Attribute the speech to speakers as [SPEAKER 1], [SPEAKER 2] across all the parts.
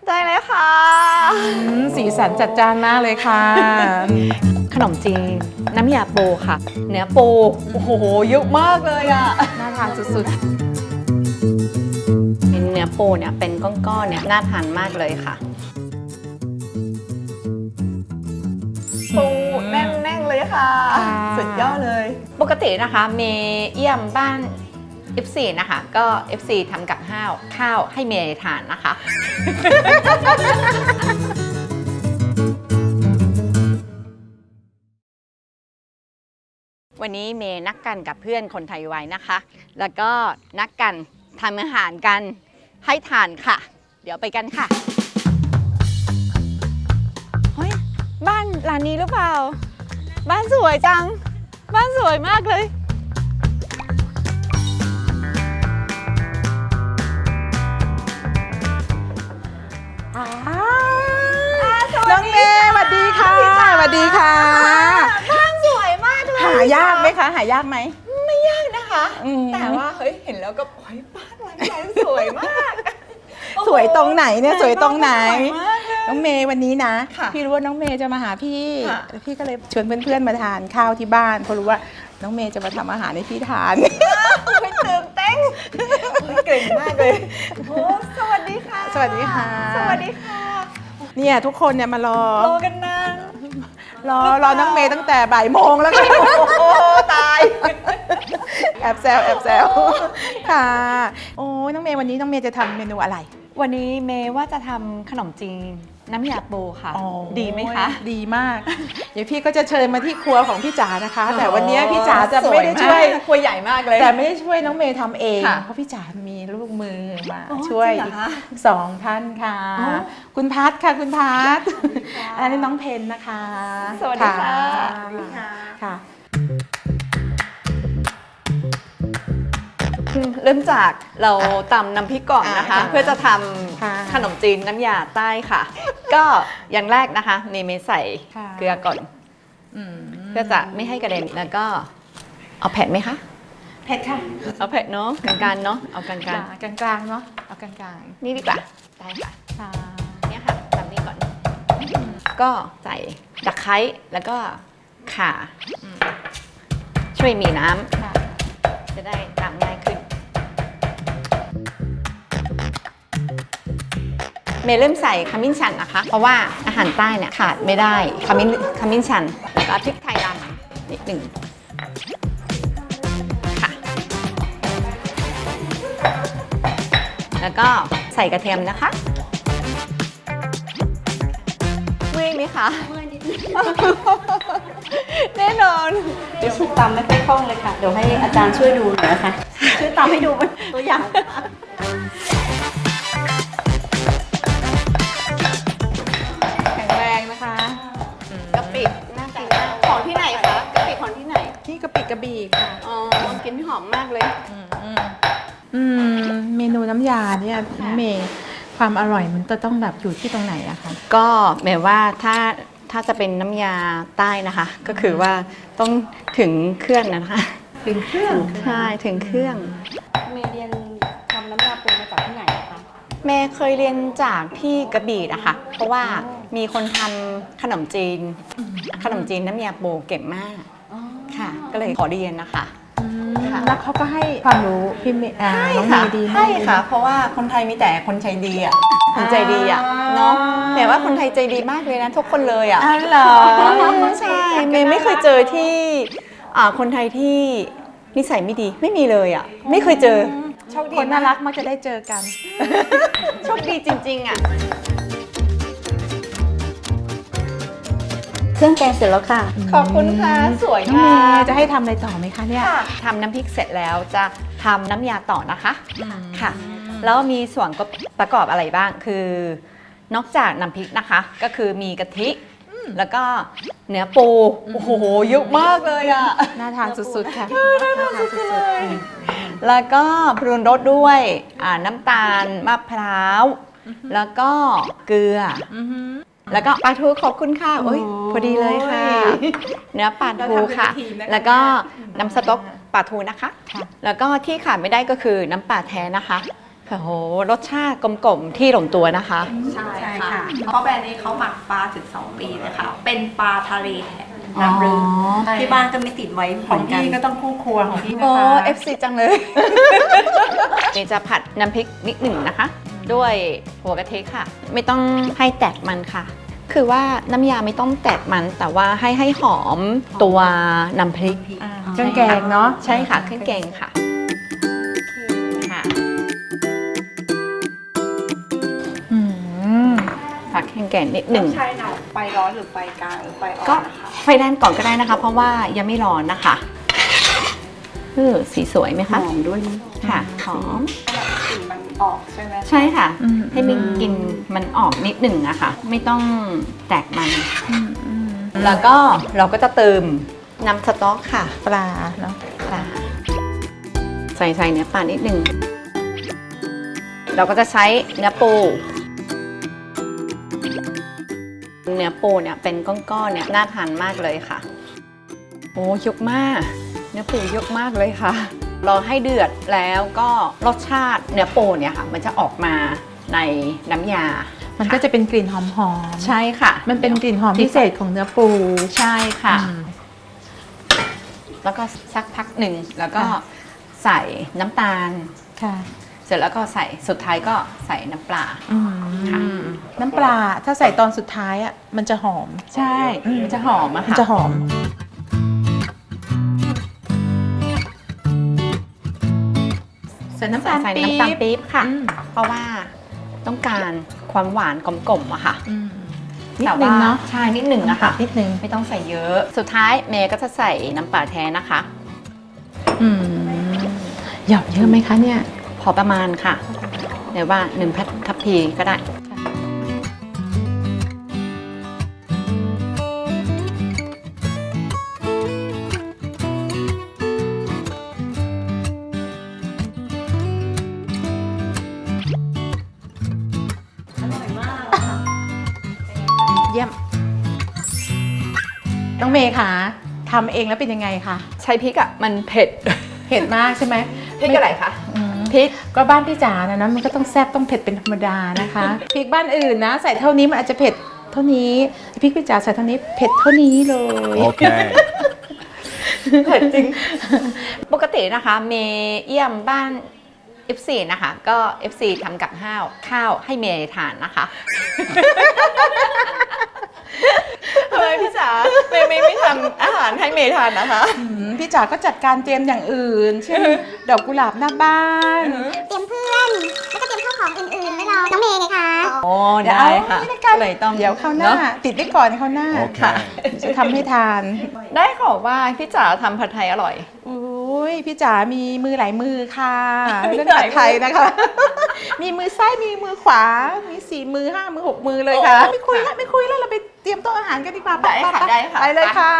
[SPEAKER 1] ได้เลยค่ะ
[SPEAKER 2] สีสันจัดจ้านมากเลยค่ะ
[SPEAKER 1] ขนมจีนน้ำยาปูค่ะเนื้อปูโอ้โหเยอะมากเลยอ่ะ
[SPEAKER 2] น่าทานสุด
[SPEAKER 1] เนื้อปูเนี่ยเป็นก้อนๆเนี่ยน่าทานมากเลยค่ะปูแน่นๆเลยค่ะสุดยอดเลยปกตินะคะเมย์เยี่ยมบ้าน FC นะคะก็ FC ทำกับข้าวให้เมย์ทานนะคะ วันนี้เมย์นัดกันกับเพื่อนคนไทยไว้นะคะ แล้วก็นัดกันทำอาหารกันให้ทานค่ะ เดี๋ยวไปกันค่ะเฮ้ยบ้านหลังนี้หรือเปล่าบ้านสวยจังบ้านสวยมากเลย
[SPEAKER 2] น้องเมย์สวัสดีค่ะสวัสดีค่ะ
[SPEAKER 1] บ้านสวยมากเลย
[SPEAKER 2] หายากไหมคะหายากไหม
[SPEAKER 1] ไม่ยากนะคะแต่ว่าเฮ้ยเห็นแล้วก็โอ้ยบ้านหลังใหญ่สวยมาก
[SPEAKER 2] สวยตรงไหนเนี่ยสวยตรงไหน
[SPEAKER 1] สวยมากเลย
[SPEAKER 2] น้องเมย์วันนี้นะ
[SPEAKER 1] ค่ะ
[SPEAKER 2] พี่รู้ว่าน้องเมย์จะมาหาพี่
[SPEAKER 1] ค่ะ
[SPEAKER 2] พี่ก็เลยชวนเพื่อนๆมาทานข้าวที่บ้านเพราะรู้ว่าน้องเมย์จะมาทำอาหารให้พี่ทาน
[SPEAKER 1] ไม่ตื่นเต้นเก่งมากเลยโอ้สวัสดีค่ะ
[SPEAKER 2] สวัสดีค่ะ
[SPEAKER 1] สวัสดีค่ะ
[SPEAKER 2] เนี่ยทุกคนเนี่ยมารอ
[SPEAKER 1] รอกันนาน
[SPEAKER 2] รอน้องเมย์ตั้งแต่บ่ายโมงแล้วค่ะ
[SPEAKER 1] โอ้ตาย
[SPEAKER 2] แอบแซวค่ะโอ้ยน้องเมย์วันนี้น้องเมย์จะทำเมนูอะไร
[SPEAKER 1] วันนี้เมย์ว่าจะทำขนมจีนน้ำยาปูค่ะ
[SPEAKER 2] อ๋อ
[SPEAKER 1] ดีไหมคะ
[SPEAKER 2] ดีมาก เดี๋ยวพี่ก็จะเชิญมาที่ครัวของพี่จ๋านะคะ แต่วันนี้พี่จ๋าจะไม่ได้ช่วย
[SPEAKER 1] ครัวใหญ่มากเลย
[SPEAKER 2] แต่ไม่ได้ช่วยน้องเมย์ทำเอง
[SPEAKER 1] ค่ะ
[SPEAKER 2] เพราะพี่จ๋ามีลูกมือมา
[SPEAKER 1] อ๋อ
[SPEAKER 2] ช่วย
[SPEAKER 1] จริงเหรอคะ
[SPEAKER 2] สองท่านค่ะ
[SPEAKER 1] อ๋อ
[SPEAKER 2] คุณพัทค่ะคุณพัทอันนี้น้องเพนนะคะ
[SPEAKER 1] สวัสดีค่ะ
[SPEAKER 2] ค่ะ
[SPEAKER 1] เริ่มจากเราตำน้ำพริกก่อนนะคะ
[SPEAKER 2] ค่ะ
[SPEAKER 1] เพื่อจะท
[SPEAKER 2] ค่ะ
[SPEAKER 1] ำขนมจีนน้ำยาใต้ค่ะ ก็อย่างแรกนะคะเมย์ใส่
[SPEAKER 2] ค่ะ
[SPEAKER 1] เกลือก่อน
[SPEAKER 2] อืม
[SPEAKER 1] เพื่อจะไม่ให้กระเด็นแล้วก็เอาเผ็ดไหมคะ
[SPEAKER 2] เผ็ดค่ะ
[SPEAKER 1] เอาเผ็ดเนาะกลางๆเนาะเอากลาง
[SPEAKER 2] กลางๆเนาะเอากลาง
[SPEAKER 1] ๆนี่ดีกว่าได้ค่ะ
[SPEAKER 2] ๆค่ะ
[SPEAKER 1] เนี่ยค่ะทำนี่ก่อน ก็ใส่ตะไคร้แล้วก็ข่าช่วยมีน้ำ
[SPEAKER 2] ค่ะ
[SPEAKER 1] จะได้ตำง่ายขึ้น เมย์เริ่มใส่ขมิ้นชันนะคะ เพราะว่าอาหารใต้เนี่ยขาดไม่ได้ขมิ้นชันแล้วพริกไทยดำนิดหนึ่งค่ะ แล้วก็ใส่กระเทียมนะคะเมื่อยไหมคะเมื่อยนิดแน่นอน
[SPEAKER 3] เดี๋ยวตำไม่ค่อยคล่องเลยค่ะ เดี๋ยวให้อาจารย์ช่วยดูหน่อยนะคะ ช่วยตำให้ดูเป็นตัวอย่าง
[SPEAKER 2] แข็งแรงนะคะ
[SPEAKER 1] กะปิน่ากินมากของที่ไหนคะกะปิของที่ไหน
[SPEAKER 2] ที่กะปิกระบี่ค่ะ
[SPEAKER 1] อ๋อกินหอมมากเลย
[SPEAKER 2] เมนูน้ำยาเนี่ยน้องเมย์ความอร่อยมันจะต้องแบบอยู่ที่ตรงไหนอะคะ
[SPEAKER 1] ก็หมายว่าถ้าจะเป็นน้ำยาใต้นะคะ ก็คือว่าต้องถึงเครื่องนะคะ
[SPEAKER 3] ถึงเครื่อง
[SPEAKER 1] ใช่ถึงเครื่อง
[SPEAKER 3] เมย์เรียนทำน้ำยาปูมาจากที่ไหนอะคะ
[SPEAKER 1] แม่เคยเรียนจากที่กระบี่นะคะ เพราะว่ามีคนทำขนมจีนน้ำยาปูเก่งมาก
[SPEAKER 3] อ๋อ
[SPEAKER 1] ค่ะ ก็เลยขอเรียนนะคะ ค่ะ
[SPEAKER 2] แล้วเขาก็ให้ความรู้พี่เมย์น้องเมย์ดีมาก
[SPEAKER 1] ใช่ค่ะ เพราะว่าคนไทยมีแต่คนใจดีอ่ะคนใจดีอ่ะเนาะแต่ว่าคนไทยใจดีมากเลยนะทุกคนเลยอ่ะ
[SPEAKER 2] อ๋อเหรอ
[SPEAKER 1] ใช่เมย์ไม่เคยเจอที่คนไทยที่นิสัยไม่ดีไม่มีเลยอ่ะไม่เคยเจอโชคดี
[SPEAKER 2] คนน่ารักมักจะได้เจอกัน
[SPEAKER 1] โชคดีจริงๆอ่ะ
[SPEAKER 3] เครื่องแกงเสร็จแล้วค่ะ
[SPEAKER 1] ขอบคุณค่ะสวย
[SPEAKER 2] น้องเม
[SPEAKER 1] มาก
[SPEAKER 2] ย์จะให้ทำอะไรต่อไหมคะเนี่ย
[SPEAKER 1] ค่ะทำน้ำพริกเสร็จแล้วจะทำน้ำยาต่อนะคะค่ะ แล้วมีส่วนประกอบอะไรบ้างคือนอกจากน้ำพริกนะคะ ก็คือมีกะทิแล้วก็เนื้อปูโอ้โหเยอะมากเลยอ่ะ
[SPEAKER 2] น่าทานสุดๆค่ะน่าทานสุดๆ
[SPEAKER 1] แล้วก็ปรุงรสด้วยน้ำตาลมะพร้าวแล้วก็เกลือแล้วก็ปลาทูขอบคุณค่ะโอ้ยพอดีเลยค่ะ เนื้อปลาทูค่ะ แล้วก็น้ำสต๊อกปลาทูนะคะ แล้วก็ที่ขาดไม่ได้ก็คือน้ำปลาแท้นะคะโอ้โหรสชาติกลมๆที่ลงตัวนะคะ
[SPEAKER 4] ใช่ค่ะ เพราะแบรนด์นี้เขาหมักปลาถึง 2 ปีเลยค่ะ เป็นปลาทะเลแท้น้ำลึก
[SPEAKER 3] ที่บ้านก็ไม่ติดไว้
[SPEAKER 2] ของ
[SPEAKER 3] เหมืน
[SPEAKER 2] พี่ก็ต้องคู่ครัวของพี่นะ
[SPEAKER 1] โอ้
[SPEAKER 2] คะ
[SPEAKER 1] FC จังเลย นี่จะผัดน้ำพริกนิดหนึ่งนะคะ ด้วยหัวกะทิค่ะ ไม่ต้องให้แตกมันค่ะ คือว่าน้ำยาไม่ต้องแตกมัน แต่ว่าให้หอมตัวน้ำพริก
[SPEAKER 2] เครื่องแกงเนาะ
[SPEAKER 1] ใช่ค่ะเครื่องแกงค่ะค่ะ
[SPEAKER 2] อืม
[SPEAKER 1] ผัดเครื่องแกงนิดหนึ่ง
[SPEAKER 4] ใช่หน่อยไฟร้อนหรือไฟกลางหรือไฟอ่อ
[SPEAKER 1] ก็
[SPEAKER 4] นนะคะ
[SPEAKER 1] ไฟแรงก่อนก็ได้นะคะ เพราะว่ายังไม่ร้อนนะคะสีสวยไหม
[SPEAKER 3] ห
[SPEAKER 1] คะ
[SPEAKER 3] อมด้วยนะ
[SPEAKER 1] ค่ะหอม
[SPEAKER 4] แบบกลิ่นมันออกใช่ไหม
[SPEAKER 1] ใช่ค่ะ
[SPEAKER 2] อืม
[SPEAKER 1] ให้มันกลินมันออกนิดหนึ่งอะค่ะ ไม่ต้องแตกมัน แล้วก็เราก็จะเติมน้ำสต๊อกค่ะ
[SPEAKER 2] ปลาเนาะ
[SPEAKER 1] ปลาใส่เนื้อปลานิดหนึ่งเราก็จะใช้เนื้อปูเนี่ยเป็นก้อนๆเนี่ยน่าทานมากเลยค่ะโอ้ยกมากเนื้อปูยกมากเลยค่ะรอให้เดือดแล้วก็รสชาติเนื้อปูเนี่ยค่ะ มันจะออกมาในน้ำยา
[SPEAKER 2] มันก็จะเป็นกลิ่นหอม
[SPEAKER 1] ใช่ค่ะ
[SPEAKER 2] ๆมันเป็นกลิ่นหอมพิเศษของเนื้อปู
[SPEAKER 1] ใช่ค่ะ
[SPEAKER 2] อืม
[SPEAKER 1] แล้วก็สักพักหนึ่งแล้วก็
[SPEAKER 2] ค่ะ
[SPEAKER 1] ใส่น้ำตาล
[SPEAKER 2] ค่ะ
[SPEAKER 1] เสร็จแล้วก็ใส่สุดท้ายก็ใส่น้ำปลา ค่ะ
[SPEAKER 2] น้ำปลาถ้าใส่ตอนสุดท้ายอ่ะมันจะหอม
[SPEAKER 1] ใช่มันจะหอมอะ
[SPEAKER 2] มัน
[SPEAKER 1] ค่ะ
[SPEAKER 2] จะหอม ใส่น้ำตาล
[SPEAKER 1] ใส่
[SPEAKER 2] ปี๊
[SPEAKER 1] น้ำตาล
[SPEAKER 2] บ
[SPEAKER 1] ปี๊บค่ะ
[SPEAKER 2] อืม
[SPEAKER 1] เพราะว่าต้องการความหวานกลมๆอะค่ะ
[SPEAKER 2] อืมนิด
[SPEAKER 1] แต่
[SPEAKER 2] นึ
[SPEAKER 1] ว่าง
[SPEAKER 2] เนาะ
[SPEAKER 1] ใช่นิดหนึ่งอะค่ะ
[SPEAKER 2] นิดนึง
[SPEAKER 1] ไม่ต้องใส่เยอะ สุดท้ายเมย์ก็จะใส่น้ำปลาแท้นะคะ
[SPEAKER 2] อืมหยอดเยอะไหมคะเนี่ย
[SPEAKER 1] พอประมาณค่ะหรือว่า1ทัพพีก็ได้
[SPEAKER 2] เยี่ยม น้องเมย์คะทำเองแล้วเป็นยังไงคะ
[SPEAKER 1] ใช้พริกอะมันเผ็ด
[SPEAKER 2] เผ็ดมากใช่ไหม
[SPEAKER 1] พริกอะไรคะ
[SPEAKER 2] อืม
[SPEAKER 1] พริก
[SPEAKER 2] ก็บ้านพี่จ๋านะมันก็ต้องแซ่บต้องเผ็ดเป็นธรรมดานะคะ พริกบ้านอื่นนะ ใส่เท่านี้มันอาจจะเผ็ดเท่านี้พริกพี่จ๋าใส่เท่านี้เผ็ดเท่านี้เลย
[SPEAKER 5] Okay.
[SPEAKER 1] เผ็ดจริง ปกตินะคะเมย์เยี่ยมบ้าน FC นะคะ ก็ FC ทำกับข้าวให้เมย์ทานนะคะทำไมพี่จ๋าเมย์ไม่ทำอาหารให้เมย์ทานนะคะ
[SPEAKER 2] พี่จ๋าก็จัดการเตรียมอย่างอื่น เช่น ดอกกุหลาบหน้าบ้าน
[SPEAKER 6] เตรียมเพื่อน แล้วก็เตรียมข้าวของอื่นๆไว้รอน้องเมย์ไงคะ
[SPEAKER 1] โอ้
[SPEAKER 2] เดี๋ยว
[SPEAKER 1] ได้
[SPEAKER 2] เอา
[SPEAKER 1] ค่ะ
[SPEAKER 2] นี่ละกัน
[SPEAKER 1] เลยต้อง
[SPEAKER 2] เดี๋ยวเขาวหน้า
[SPEAKER 1] เอะ
[SPEAKER 2] ติดไว้ก่อนเขาวหน้า
[SPEAKER 5] Okay.
[SPEAKER 2] จะทำให้ทาน
[SPEAKER 1] ได้ขอว่าพี่จ๋าทำผัดไทยอร่อย
[SPEAKER 2] อุ้ยพี่จ๋ามีมือหลายมือค่ะเรื่องผัดไทยนะคะ มีมือซ้ายมีมือขวา มี4 มือ 5 มือ 6 มือเลยค่ะ
[SPEAKER 1] โอ้
[SPEAKER 2] ไม่คุยแล้วเราไปเตรียมโต๊ะอาหารกันดีกว่า
[SPEAKER 1] ได้ค่ะ
[SPEAKER 2] ป
[SPEAKER 1] ได้ค่ะ
[SPEAKER 2] ไปเลยค่ะ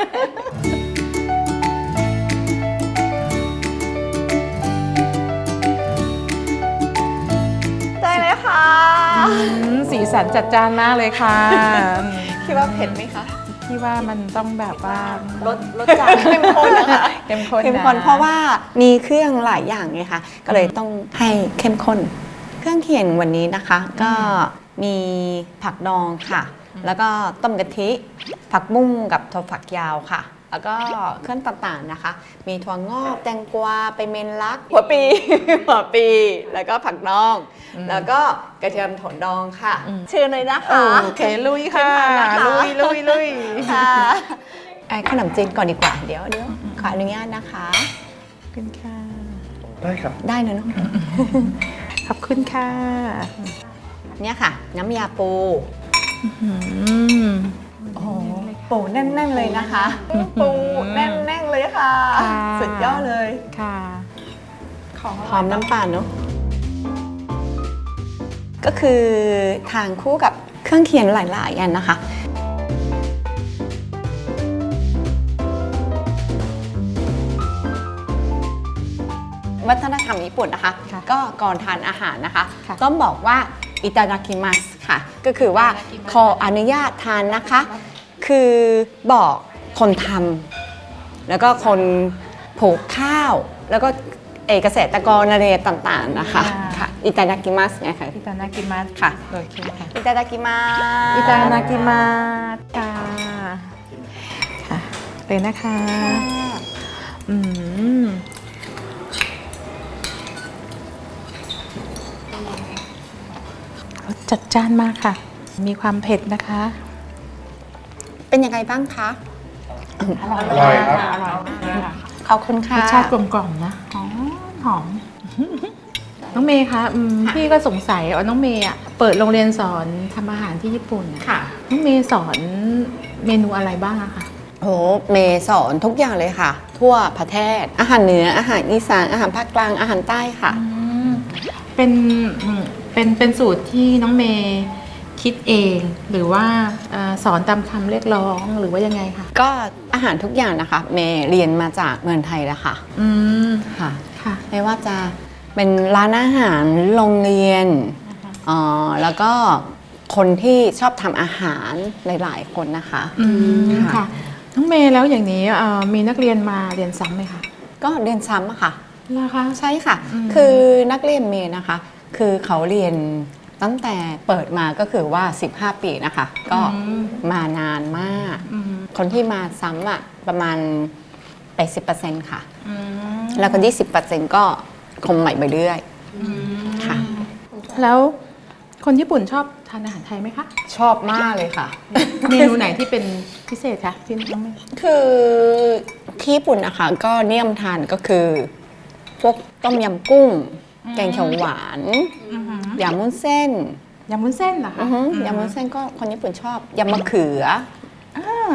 [SPEAKER 1] ได้เลยค่ะ
[SPEAKER 2] สีสันจัดจ้านมากเลยค่ะ
[SPEAKER 1] คิดว่าเผ็ดไหมคะ
[SPEAKER 2] พี่ว่ามันต้องแบบว่าร
[SPEAKER 1] สจัดเข้มข้นนะคะ
[SPEAKER 2] เข้มข้น
[SPEAKER 1] เข้มข้น
[SPEAKER 2] นะ
[SPEAKER 1] เพราะว่ามีเครื่องหลายอย่างไงคะก็เลยต้องให้เข้มข้น เครื่องเคียงวันนี้นะคะ ก็มีผักดองค่ะ แล้วก็ต้มกะทิ ผักบุ้งกับถั่วฝักยาวค่ะ แล้วก็เครื่องต่างๆนะคะ มีถั่วงอกแตงกวาไปเมนลัก หัวปี แล้วก็ผักดอง แล้วก็กระเทียมโถนดองค่ะ เชิญเลยนะคะ
[SPEAKER 2] โอเคลุยค่ะ
[SPEAKER 1] เชิญทานนะคะ
[SPEAKER 2] ลุย
[SPEAKER 1] ค่ะขนมจีนก่อนดีกว่า เดี๋ยวขออนุญาตนะคะ
[SPEAKER 2] ขอบคุณค่ะ
[SPEAKER 5] ได้ครับ
[SPEAKER 1] ได้นะน้อง
[SPEAKER 2] ขอบคุณค่ะ
[SPEAKER 1] เนี่ยค่ะ น้ำยาปู
[SPEAKER 2] อืม
[SPEAKER 1] โอ้โหปูแน่นๆเลยนะคะ ปูแน่นๆเลยค่ะ
[SPEAKER 2] ค่ะ
[SPEAKER 1] สุดยอดเลย
[SPEAKER 2] ค่ะ
[SPEAKER 1] หอมน้ำปลาเนาะก็คือทานคู่กับเครื่องเคียงหลายๆอันนะคะ วัฒนธรรมญี่ปุ่นนะคะ
[SPEAKER 2] ค่ะ
[SPEAKER 1] ก็ก่อนทานอาหารนะคะ
[SPEAKER 2] ค่ะ
[SPEAKER 1] ต้องบอกว่าอิตาดากิมัสค่ะ ก็คือว่าขออนุญาตทานนะคะ คือบอกคนทำแล้วก็คนผูกข้าว แล้วก็เกษตรกรอะไรต่างๆนะคะค่ะอิตาดากิมัสเนี่ยค่ะ
[SPEAKER 2] อิตานากิมัส
[SPEAKER 1] ค่ะ
[SPEAKER 2] โอเคค่ะ
[SPEAKER 1] อิตาดากิมัส
[SPEAKER 2] อิตานากิมัสค่ะค่ะเลยนะคะอืมรสจัดจ้านมากค่ะ มีความเผ็ดนะคะ
[SPEAKER 1] เป็นยังไงบ้างคะ
[SPEAKER 2] อร่อยครับอร่อยมากเลยค่ะ
[SPEAKER 1] ขอบคุณ
[SPEAKER 2] ร
[SPEAKER 1] ค่ะ
[SPEAKER 2] สชาติกลมกล่อมนะหอมหอม น้องเมย์คะพี่ก็สงสัยว่าน้องเมย์อะเปิดโรงเรียนสอนทำอาหารที่ญี่ปุ่นอะ
[SPEAKER 1] ค่ะ
[SPEAKER 2] น้องเมย์สอนเมนูอะไรบ้างอะคะ
[SPEAKER 1] โหเมย์สอนทุกอย่างเลยค่ะ ทั่วประเทศอาหารเหนืออาหารอีสานอาหารภาคกลางอาหารใต้ค่ะ
[SPEAKER 2] เป็นเป็นสูตรที่น้องเมย์คิดเอง หรือว่าสอนตามคำเรียกร้องหรือว่ายังไงคะ
[SPEAKER 1] ก็อาหารทุกอย่างนะคะ เมย์เรียนมาจากเมืองไทยแล้วค่ะ
[SPEAKER 2] อืม
[SPEAKER 1] ค่ะ
[SPEAKER 2] ค่ะ
[SPEAKER 1] ไม่ว่าจะเป็นร้านอาหารโรงเรียนแล้วก็คนที่ชอบทำอาหารหลายๆคนนะคะ
[SPEAKER 2] อืม
[SPEAKER 1] ค่ะ
[SPEAKER 2] ค่ะน้องเมย์แล้วอย่างนี้มีนักเรียนมาเรียนซ้ำไหมคะ
[SPEAKER 1] ก็เรียนซ้ำอะค่ะ
[SPEAKER 2] เหรอคะ
[SPEAKER 1] ใช่ค่ะ
[SPEAKER 2] อืม
[SPEAKER 1] คือนักเรียนเมย์นะคะ คือเขาเรียนตั้งแต่เปิดมาก็คือว่า 15 ปีนะคะ ก็มานานมาก
[SPEAKER 2] อืม
[SPEAKER 1] คนที่มาซ้ำอะประมาณ 80%ค่ะ
[SPEAKER 2] อืม
[SPEAKER 1] แล้วคนที่ 10%ก็คงใหม่ไปเรื่อย ค่ะ
[SPEAKER 2] แล้วคนญี่ปุ่นชอบทานอาหารไทยไหมคะ
[SPEAKER 1] ชอบมากเลยค่ะ
[SPEAKER 2] เมนูไหนที่เป็นพิเศษคะที่น้องเมย์
[SPEAKER 1] คือที่ญี่ปุ่นนะคะ ก็นิยมทานก็คือ พวกต้มยำกุ้ง แกงเขียวหวานยำมุ้นเส้น
[SPEAKER 2] ยำวุ้นเส้นเหรอคะ
[SPEAKER 1] ยำมุ้นเส้นก็คนญี่ปุ่นชอบยำมะเขือ
[SPEAKER 2] อ่าย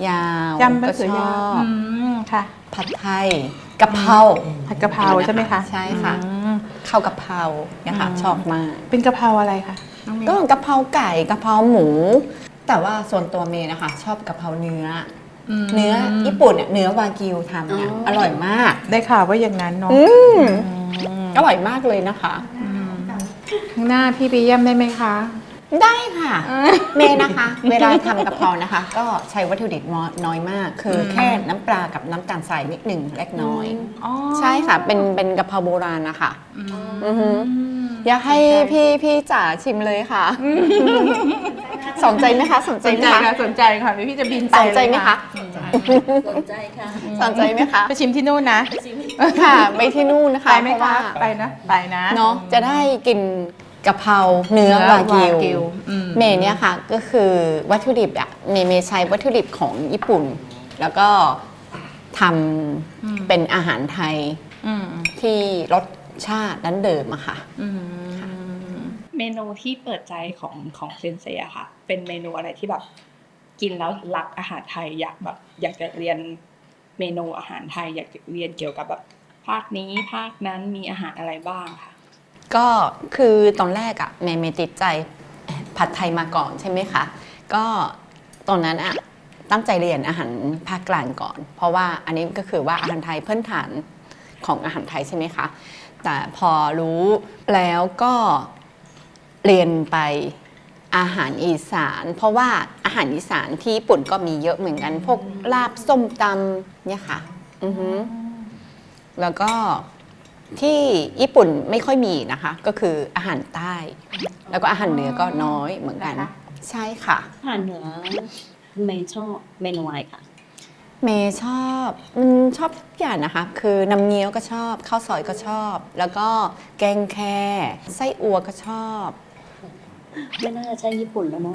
[SPEAKER 1] าวย
[SPEAKER 2] ำมะเขือยาว
[SPEAKER 1] ก็ชอบ
[SPEAKER 2] ค่ะ
[SPEAKER 1] ผัดไทยกะเพรา
[SPEAKER 2] ผัดกะเพราใช่ไหมคะ
[SPEAKER 1] ใช่ค่ะ
[SPEAKER 2] อืม
[SPEAKER 1] ข้าวกะเพราเนี่ยค่ะชอบมาก
[SPEAKER 2] เป็นกะเพราอะไรคะน้องเมย์
[SPEAKER 1] ก็กะเพราไก่กะเพราหมู แต่ว่าส่วนตัวเมย์นะคะ ชอบกะเพราเนื้ออเนื้อญี่ปุ่นเนี่ยเนื้อวากิวทำเนี่ยอร่อยมาก
[SPEAKER 2] ได้ข่าวว่าอย่างนั้นเนาะ
[SPEAKER 1] อร่อยมากเลยนะคะ
[SPEAKER 2] ข้างหน้าพี่ไปเยี่ยมได้ไหมคะ
[SPEAKER 1] ได้ค่ะ เมย์นะคะ เวลาทำกะเพรานะคะ ก็ใช้วัตถุดิบน้อยมาก คือแค่น้ำปลากับน้ำตาลทรายนิดหนึ่งเล็กน้อย ใช่ค่ะ เป็นกะเพราโบราณนะคะอือหืออยากให้พี่จ๋าชิมเลยค่ะ สนใจไหมคะสนใจ
[SPEAKER 2] สน
[SPEAKER 1] ไหม
[SPEAKER 2] ใจ
[SPEAKER 1] คะ
[SPEAKER 2] ค่ะสนใจค่ะเดี๋ยวพี่จะบินไป
[SPEAKER 1] สนใจไหมคะ
[SPEAKER 3] สนใจค่ะ
[SPEAKER 1] สนใจไหมคะ
[SPEAKER 2] ไปชิมที่นู่นนะ
[SPEAKER 1] ค่ะไปที่นู่นนะคะ
[SPEAKER 2] ไปไหม
[SPEAKER 1] เพราะ
[SPEAKER 2] คะ
[SPEAKER 1] ว่า
[SPEAKER 2] ไปนะไปนะ
[SPEAKER 1] เนาะจะได้กินกะเพราเนื้อวากิว เมย์เนี่ยค่ะก็คือวัตถุดิบอะเมย์ใช้วัตถุดิบของญี่ปุ่น แล้วก็ทำเป็นอาหารไทยที่รสชาติดั้งเดิมอะค่ะ
[SPEAKER 5] เมนูที่เปิดใจของเซนเซอะค่ะ เป็นเมนูอะไรที่แบบกินแล้วรักอาหารไทยอยากจะเรียนเมนูอาหารไทย อยากจะเรียนเกี่ยวกับแบบภาคนี้ภาคนั้นมีอาหารอะไรบ้างค่ะ
[SPEAKER 1] ก็คือตอนแรกอะเมย์ติดใจผัดไทยมาก่อนใช่ไหมคะ ก็ตอนนั้นอะตั้งใจเรียนอาหารภาคกลางก่อน เพราะว่าอันนี้ก็คือว่าอาหารไทยพื้นฐานของอาหารไทยใช่ไหมคะ แต่พอรู้แล้วก็เรียนไปอาหารอีสาน เพราะว่าอาหารอีสานที่ญี่ปุ่นก็มีเยอะเหมือนกัน พวกลาบส้มตำเนี่ยค่ะอือฮึแล้วก็ที่ญี่ปุ่นไม่ค่อยมีนะคะ ก็คืออาหารใต้ แล้วก็อาหารเหนือก็น้อยเหมือนกัน ใช่ค่ะ
[SPEAKER 3] อาหารเหนือไม่ชอบเมนูอะไรค่ะ
[SPEAKER 1] เมย์ชอบชอบทุกอย่างนะคะ คือน้ำเงี้ยวก็ชอบข้าวซอยก็ชอบ แล้วก็แกงแคไส้อั่วก็ชอบ
[SPEAKER 3] ไม่น่าจะใช่ญี่ปุ่นแล้วเนาะ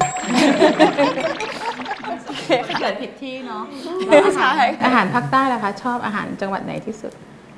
[SPEAKER 2] เกิดผิดที่เนาะ
[SPEAKER 1] ใช่
[SPEAKER 2] อาหารภาคใต้ล่ะคะ ชอบอาหารจังหวัดไหนที่สุด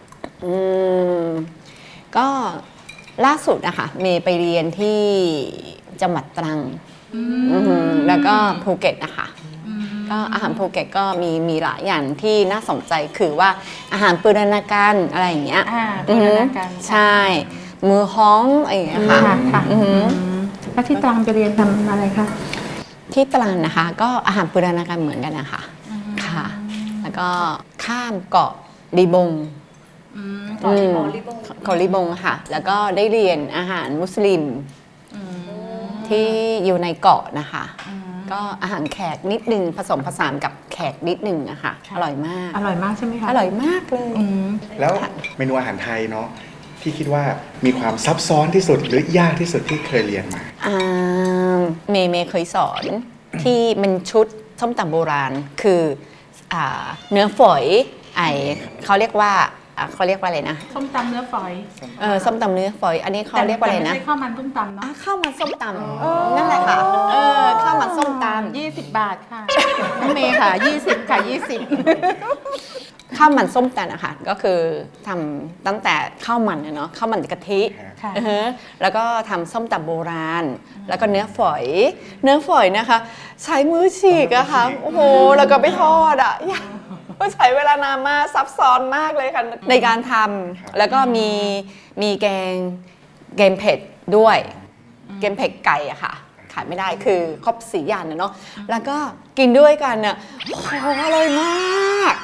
[SPEAKER 1] ก็ล่าสุดนะคะเมย์ไปเรียนที่จังหวัดตรังแล้วก็ภูเก็ตนะคะก็อาหารภูเก็ตก็มีหลายอย่างที่น่าสนใจคือว่าอาหารปูรณาการอะไรอย่างเงี้ย
[SPEAKER 2] บูรณาการ
[SPEAKER 1] ใช่ มือฮ้องอะไรอย่างเงี้ยค่ะ
[SPEAKER 2] ค่ะแล้วที่ตรังไปเรียนทำอะไรคะ
[SPEAKER 1] ที่ตรังนะคะ ก็อาหารปูรณาการเหมือนกันนะคะค่ะ แล้วก็ข้ามเกาะลีบงเกาะลีบงค่ะ แล้วก็ได้เรียนอาหารมุสลิมที่อยู่ในเกาะนะคะก็อาหารแขกนิดนึงผสมผสานกับแขกนิดนึงอะค่ะอร่อยมาก
[SPEAKER 2] อร่อยมากใช่ไหมคะ
[SPEAKER 1] อร่อยมากเลย
[SPEAKER 7] แล้วเมนูอาหารไทยเนาะที่คิดว่ามีความซับซ้อนที่สุดหรือยากที่สุดที่เคยเรียนมา
[SPEAKER 1] เมย์เคยสอนที่มันชุดส้มตำโบราณคือเนื้อฝอยเขาเรียกว่าอะไรนะ
[SPEAKER 2] ส้มตำเนื้อฝอย
[SPEAKER 1] ส้มตำเนื้อฝอยอันนี้เขาเรียกว่าอะไรนะ
[SPEAKER 2] แต่ไม่ใช่ข้าวมันส้มตำเนาะ
[SPEAKER 1] ข้าวมันส้มตำนั่นแหละค่ะข้าวมันส้มตำ
[SPEAKER 2] 20 บาทค่ะน้องเมย์ค่ะ 20 ค่ะ
[SPEAKER 1] ข้าวมันส้มตำอะค่ะก็คือทำตั้งแต่ข้าวมันเนาะข้าวมันกะทิ
[SPEAKER 2] ค่ะ
[SPEAKER 1] แล้วก็ทำส้มตำโบราณ แล้วก็เนื้อฝอยนะคะใช้มือฉีกอะค่ะโอ้โหแล้วก็ไปทอดอะก็ใช้เวลานานมากซับซ้อนมากเลยค่ะในการทำแล้วก็มีแกงเผ็ดด้วยแกงเผ็ดไก่อะค่ะขายไม่ได้คือครบ4 อย่างเนาะแล้วก็กินด้วยกันเนี่ยโอ้โหอร่อยมาก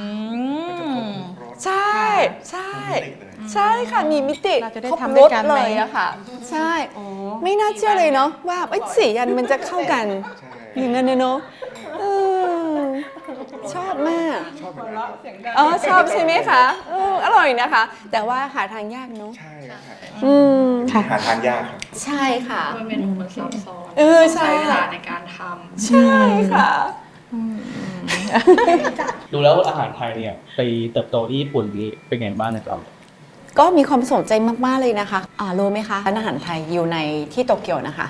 [SPEAKER 1] ใช่ค่ะมีมิติ
[SPEAKER 2] เราจะได้
[SPEAKER 1] ครบ
[SPEAKER 2] ทำ
[SPEAKER 1] ร
[SPEAKER 2] ด้วย
[SPEAKER 1] ส
[SPEAKER 2] กันไหม
[SPEAKER 1] เลยอะค่ะใช่ไม่น่าเชื่อเลยเนาะว่า4 อย่างมันจะเข้ากันอย่างนั้นเนาะชอบมากชอบใช่ไหมคะอร่อยนะคะ แต่ว่าหาทางยากเนาะ
[SPEAKER 7] ใช่ครับ
[SPEAKER 2] ค่ะ
[SPEAKER 7] หาทานยากครับ
[SPEAKER 1] ใช่ค่ะ
[SPEAKER 5] เมนูมันซับซ้อน
[SPEAKER 1] ใช่
[SPEAKER 5] ใช้เวลาในการทำ
[SPEAKER 1] ใช่ค่ะ
[SPEAKER 8] ดูแล้วอาหารไทยเนี่ยไปเติบโตที่ญี่ปุ่นนี้เป็นไงบ้างนะครับ
[SPEAKER 1] ก็มีความสนใจมากๆเลยนะคะรู้ไหมคะร้านอาหารไทยอยู่ในที่โตเกียวนะคะ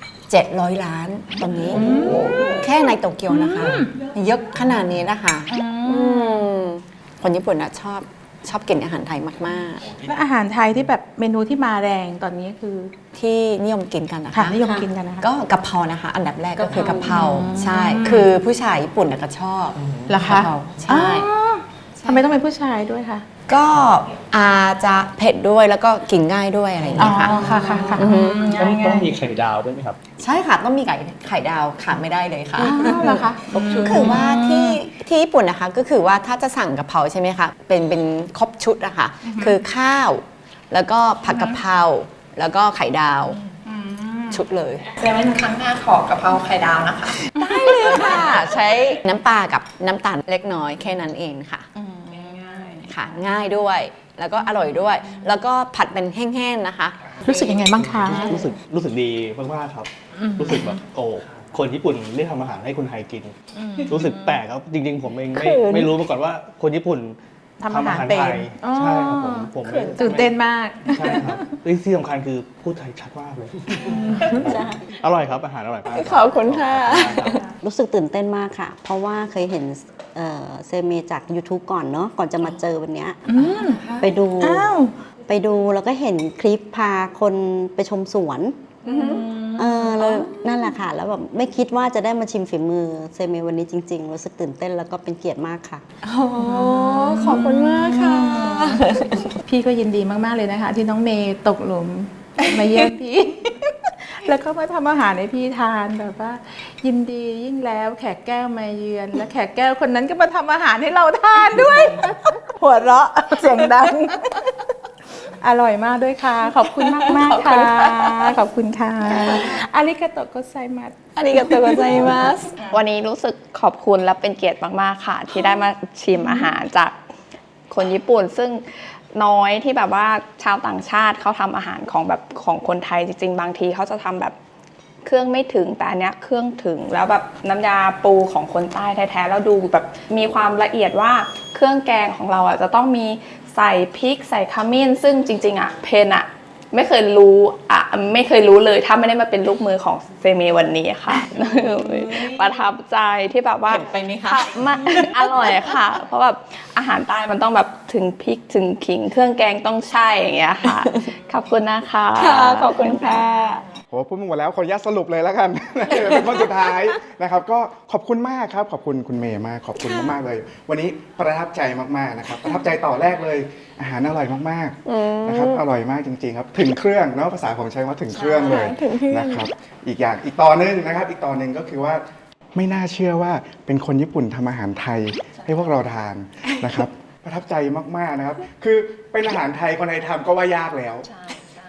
[SPEAKER 1] 700 ล้านตอนนี้แค่ในโตเกียวนะคะเยอะขนาดนี้นะคะคนญี่ปุ่นนะชอบกินอาหารไทยมาก
[SPEAKER 2] และอาหารไทยที่แบบเมนูที่มาแรงตอนนี้คือ
[SPEAKER 1] ๆ ที่นิยมกินกันนะ
[SPEAKER 2] ค่ะ
[SPEAKER 1] คะ
[SPEAKER 2] นิยมกินกันนะคะ
[SPEAKER 1] ก็กะเพรานะคะ อันดับแรกก็คือกะเพราใช่คือผู้ชายญี่ปุ่นก็ชอบ
[SPEAKER 2] เหรอคะ
[SPEAKER 1] กะเพราใช่
[SPEAKER 2] ทำไมต้องเป็นผู้ชายด้วยคะ
[SPEAKER 1] ก็อาจจะเผ็ดด้วยแล้วก็กินง่ายด้วยอะไรอย่างเงี้ยค่ะ
[SPEAKER 2] ค่ะ
[SPEAKER 8] ต้องมีไข่ดาวด้วยไหมครับ
[SPEAKER 1] ใช่ค่ะต้องมีไข่ดาวขาดไม่ได้เลยค่ะ
[SPEAKER 2] เหรอคะ
[SPEAKER 1] คือว่าที่ญี่ปุ่นนะคะก็คือว่าถ้าจะสั่งกะเพราใช่ไหมคะเป็นครบชุดอะค่ะคือข้าวแล้วก็ผัดกะเพราแล้วก็ไข่ดาวชุดเลย
[SPEAKER 4] แสดงว่าครั้งหน้าขอกะเพราไข่ดาวนะคะ
[SPEAKER 1] ได้เลยค่ะ ใช้น้ำปลากับน้ำตาลเล็กน้อยแค่นั้นเองค่ะค่ะง่ายด้วยแล้วก็อร่อยด้วย แล้วก็ผัดเป็นแห้งๆนะคะ
[SPEAKER 2] รู้สึกยังไงบ้างคะ
[SPEAKER 8] รู้สึกดีมากๆครับ รู้สึกแบบคนญี่ปุ่นเลือกทำอาหารให้คนไทยกิน รู้สึกแปลกครับจริงๆ ผมเองไม่รู้มาก่อนว่าคนญี่ปุ่น
[SPEAKER 2] ทำอาหารเป็น
[SPEAKER 8] ไทยใช่ครับผมไม่
[SPEAKER 2] ตื่นเต้นมาก
[SPEAKER 8] ใช่ครับที่สำคัญคือพูดไทยชัดมากเลยอร่อยครับอาหารอร่อยมาก
[SPEAKER 1] ขอบคุณค่ะ
[SPEAKER 3] รู้สึกตื่นเต้นมากค่ะ เพราะว่าเคยเห็นเซเมจาก YouTube ก่อนเนาะก่อนจะมาเจอวันเนี้ยไปดูแล้วก็เห็นคลิปพาคนไปชมสวนแล้วนั่นแหละค่ะ แล้วแบบไม่คิดว่าจะได้มาชิมฝีมือเซเมวันนี้จริงๆ รู้สึกตื่นเต้นแล้วก็เป็นเกียรติมากค่ะ
[SPEAKER 1] ขอบคุณมากค่ะ
[SPEAKER 2] พี่ก็ยินดีมากๆเลยนะคะ ที่น้องเมย์ตกหลุมมาเยี่ยมพี่ แล้วก็มาทำอาหารให้พี่ทานแบบว่า ยินดียิ่งแล้วแขกแก้วมาเยือน และแขกแก้วคนนั้นก็มาทำอาหารให้เราทานด้วย หัวเราะเสียงดัง อร่อยมากด้วยค่ะ ขอบคุณมากๆค่ะ ขอบคุณค่ะอาริกาโตโกไซมัส
[SPEAKER 1] ありがとうございます。
[SPEAKER 5] วันนี้รู้สึกขอบคุณและเป็นเกียรติมากๆค่ะ ที่ได้มาชิมอาหารจากคนญี่ปุ่น ซึ่งน้อยที่แบบว่าชาวต่างชาติเขาทำอาหารของคนไทยจริงๆบางทีเขาจะทำแบบเครื่องไม่ถึงแต่อันเนี้ยเครื่องถึงแล้วแบบน้ำยาปูของคนใต้แท้ๆแล้วดูแบบมีความละเอียดว่าเครื่องแกงของเราอ่ะจะต้องมีใส่พริกใส่ขมิ้นซึ่งจริงๆอ่ะเพนอ่ะไม่เคยรู้เลยถ้าไม่ได้มาเป็นลูกมือของเซเมวันนี้ค่ะ ประทับใจที่แบบว่า
[SPEAKER 1] เห็นไปไหมคะ
[SPEAKER 5] มันอร่อยค่ะ เพราะแบบอาหารใต้มันต้องแบบถึงพริกถึงขิงเครื่องแกงต้องใช่อย่างเงี้ยค่ะ ขอบคุณนะคะ
[SPEAKER 1] ขอบคุณค่ะ
[SPEAKER 7] โหพูดมาหมดแล้วขออนุญาตสรุปเลยแล้วกัน เป็นคนสุดท้ายนะครับก็ขอบคุณมากครับขอบคุณคุณเมย์มากขอบคุณมากๆเลย วันนี้ประทับใจมากๆนะครับประทับใจต่อแรกเลย อาหารอร่อยมากๆนะครับอร่อยมากจริงๆครับถึงเครื่องเนาะภาษาผมใช้ว่าถึงเครื่องเลยนะครับอีกต่อนึงนะครับอีกต่อนึงก็คือว่าไม่น่าเชื่อว่าเป็นคนญี่ปุ่นทำอาหารไทยให้พวกเราทานนะครับประทับใจมากๆนะครับคือเป็นอาหารไทยคนไทยทำก็ว่ายากแล้ว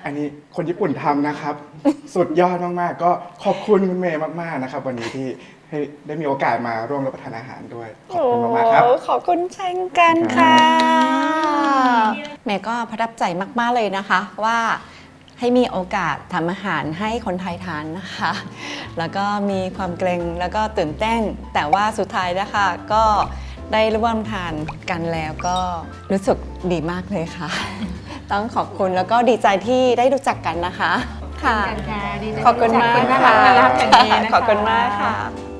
[SPEAKER 7] อันนี้คนญี่ปุ่นทำนะครับ สุดยอดมากๆ ก็ขอบคุณคุณเมย์มากๆนะครับ วันนี้ที่ให้ได้มีโอกาสมาร่วมรับประทานอาหารด้วย ขอบคุณมากๆครับ
[SPEAKER 1] โอ้ขอบคุณเช่นกันค่ะเมย์ก็ประทับใจมากๆเลยนะคะว่าให้มีโอกาสทำอาหารให้คนไทยทานนะคะ แล้วก็มีความเกรงแล้วก็ตื่นเต้น แต่ว่าสุดท้ายนะคะก็ได้ร่วมทานกันแล้วก็รู้สึกดีมากเลยค่ะ ต้องขอบคุณแล้วก็ดีใจที่ได้รู้จักกันนะคะค่ะ
[SPEAKER 2] ดีใจ
[SPEAKER 1] ขอบคุณมาก
[SPEAKER 2] น่า
[SPEAKER 1] ค่ะ
[SPEAKER 2] รักอย่างนี้นะคะ
[SPEAKER 1] ขอบคุณมากค่ะ